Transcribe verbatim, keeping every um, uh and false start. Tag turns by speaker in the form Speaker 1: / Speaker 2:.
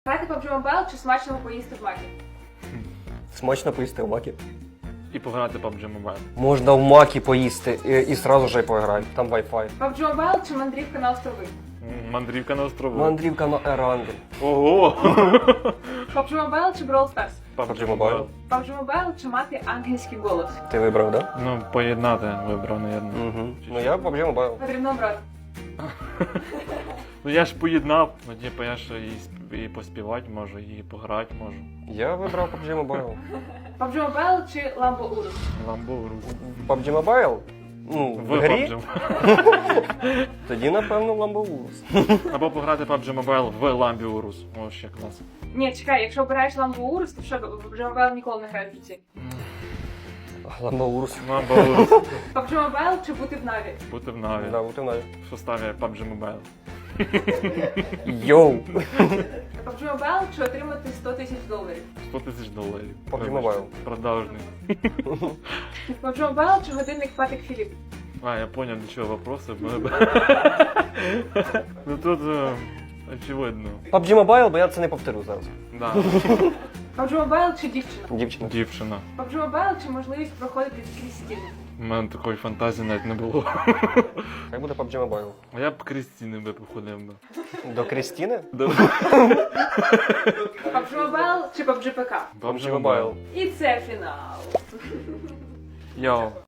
Speaker 1: Грати пабджі Mobile чи смачно поїсти в макі?
Speaker 2: Смачно поїсти в макі.
Speaker 3: І пограти пабджі Mobile.
Speaker 2: Можна в макі поїсти і, і сразу же й поіграти. Там Wi-Fi.
Speaker 1: пабджі Mobile чи мандрівка на острови?
Speaker 3: М, Мандрівка на острову.
Speaker 2: Мандрівка на Ерангель.
Speaker 3: Ого!
Speaker 1: пабджі Mobile чи Brawl Stars?
Speaker 2: пабджі Mobile.
Speaker 1: пабджі Mobile чи мати ангельський голос?
Speaker 2: Ти вибрав, так?
Speaker 3: Ну, поєднати вибрав, мабуть.
Speaker 2: Да? Угу. Ну я пабджі Mobile.
Speaker 1: Потрібно обрати.
Speaker 3: Ну я ж поєднав, ну типу я ж і, сп- і поспівати можу, і пограти можу.
Speaker 2: Я вибрав пабджі Mobile.
Speaker 1: пабджі Mobile чи Lambo Urus?
Speaker 3: Ламбо в руку.
Speaker 2: пабджі Mobile? Ну, в
Speaker 3: В
Speaker 2: грі?
Speaker 3: PUBG.
Speaker 2: Тоді, напевно, Lambo Urus.
Speaker 3: Або пограти пабджі Mobile в Ламбі Урус. О, ще клас.
Speaker 1: Ні, чекай, якщо обираєш Lambo Urus, то що, пабджі Mobile ніколи не граєш в житті.
Speaker 2: Lambo Urus.
Speaker 3: Ламбо Урус.
Speaker 1: пабджі Mobile чи бути в Наві?
Speaker 3: Бути в Наві.
Speaker 2: Да, бути в Наві.
Speaker 3: В составі пабджі Mobile.
Speaker 2: Йоу!
Speaker 1: пабджі Mobile чи отримати сто тисяч доларів?
Speaker 3: сто тисяч доларів.
Speaker 2: пабджі
Speaker 3: Вибачте.
Speaker 2: Mobile.
Speaker 3: Продажний.
Speaker 1: пабджі Mobile чи годинник Патик Філіп?
Speaker 3: А, я понял, до чого вопроси. Ну тут е, очевидно.
Speaker 2: пабджі Mobile, бо я це не повторю зараз.
Speaker 3: Да.
Speaker 1: пабджі Mobile чи дівчина?
Speaker 2: Дівчина.
Speaker 3: Дівчина.
Speaker 1: пабджі Mobile чи можливість проходити крізь стіни?
Speaker 3: У мене такої фантазії навіть не було.
Speaker 2: Хай буде пабджі Mobile.
Speaker 3: А я б Крістіни би походив би.
Speaker 2: До Крістіни?
Speaker 1: пабджі Mobile чи пабджі пі ка?
Speaker 2: пабджі Mobile.
Speaker 1: І це фінал.
Speaker 3: Йоу.